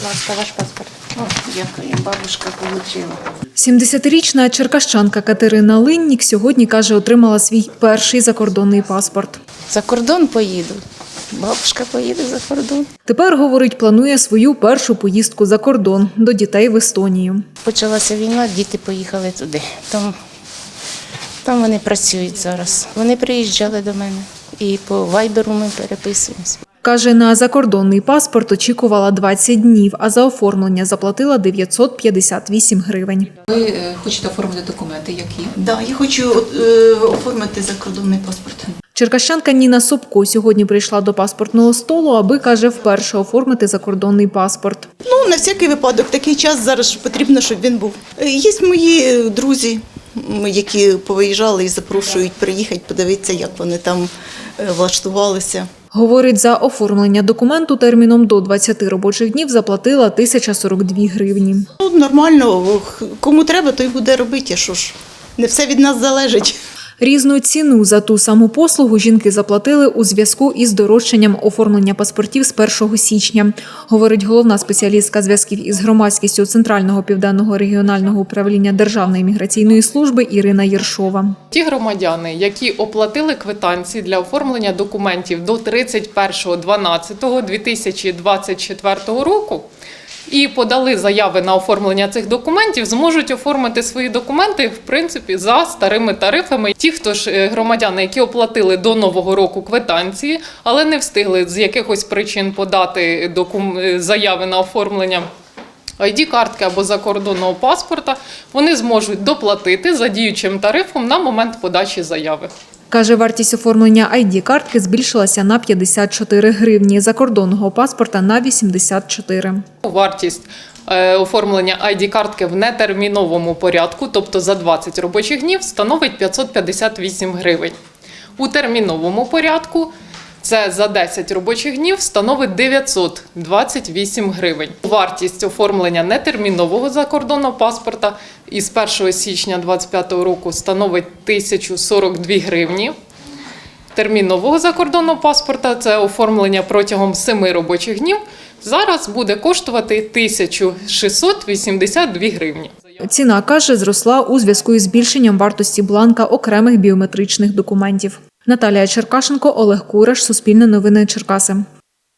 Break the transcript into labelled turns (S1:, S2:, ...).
S1: ласка, ваш паспорт.
S2: О, дякую, бабушка отримала.
S3: 70-річна черкащанка Катерина Линнік сьогодні, каже, отримала свій перший закордонний паспорт.
S2: За кордон поїду. Бабушка поїде за кордон.
S3: Тепер, говорить, планує свою першу поїздку за кордон до дітей в Естонію.
S2: Почалася війна, діти поїхали туди. Там вони працюють зараз. Вони приїжджали до мене і по вайберу ми переписуємося.
S3: Каже, на закордонний паспорт очікувала 20 днів, а за оформлення заплатила 958 гривень.
S4: Ви хочете оформити документи, які?
S5: Да, я хочу оформити закордонний паспорт.
S3: Черкащанка Ніна Собко сьогодні прийшла до паспортного столу, аби, каже, вперше оформити закордонний паспорт.
S5: Ну, на всякий випадок, такий час зараз потрібно, щоб він був. Є мої друзі, які повиїжджали і запрошують приїхати, подивитися, як вони там влаштувалися.
S3: Говорить, за оформлення документу терміном до 20 робочих днів заплатила 1042 гривні.
S5: Ну, нормально, кому треба, той буде робити, що ж, не все від нас залежить.
S3: Різну ціну за ту саму послугу жінки заплатили у зв'язку із дорожчанням оформлення паспортів з 1 січня, говорить головна спеціалістка зв'язків із громадськістю Центрального південного регіонального управління Державної міграційної служби Ірина Єршова.
S6: Ті громадяни, які оплатили квитанції для оформлення документів до 31.12.2024 року, і подали заяви на оформлення цих документів, зможуть оформити свої документи, в принципі, за старими тарифами. Ті, хто ж громадяни, які оплатили до Нового року квитанції, але не встигли з якихось причин подати заяви на оформлення ID-картки або закордонного паспорта, вони зможуть доплатити за діючим тарифом на момент подачі заяви.
S3: Каже, вартість оформлення ID-картки збільшилася на 54 гривні, закордонного паспорта – на 84.
S6: Вартість оформлення ID-картки в нетерміновому порядку, тобто за 20 робочих днів, становить 558 гривень. У терміновому порядку це за 10 робочих днів становить 928 гривень. Вартість оформлення нетермінового закордонного паспорта із 1 січня 2025 року становить 1042 гривні. Термінового закордонного паспорта, це оформлення протягом 7 робочих днів, зараз буде коштувати 1682 гривні.
S3: Ціна, каже, зросла у зв'язку із збільшенням вартості бланка окремих біометричних документів. Наталія Черкашенко, Олег Кураш, Суспільне новини, Черкаси.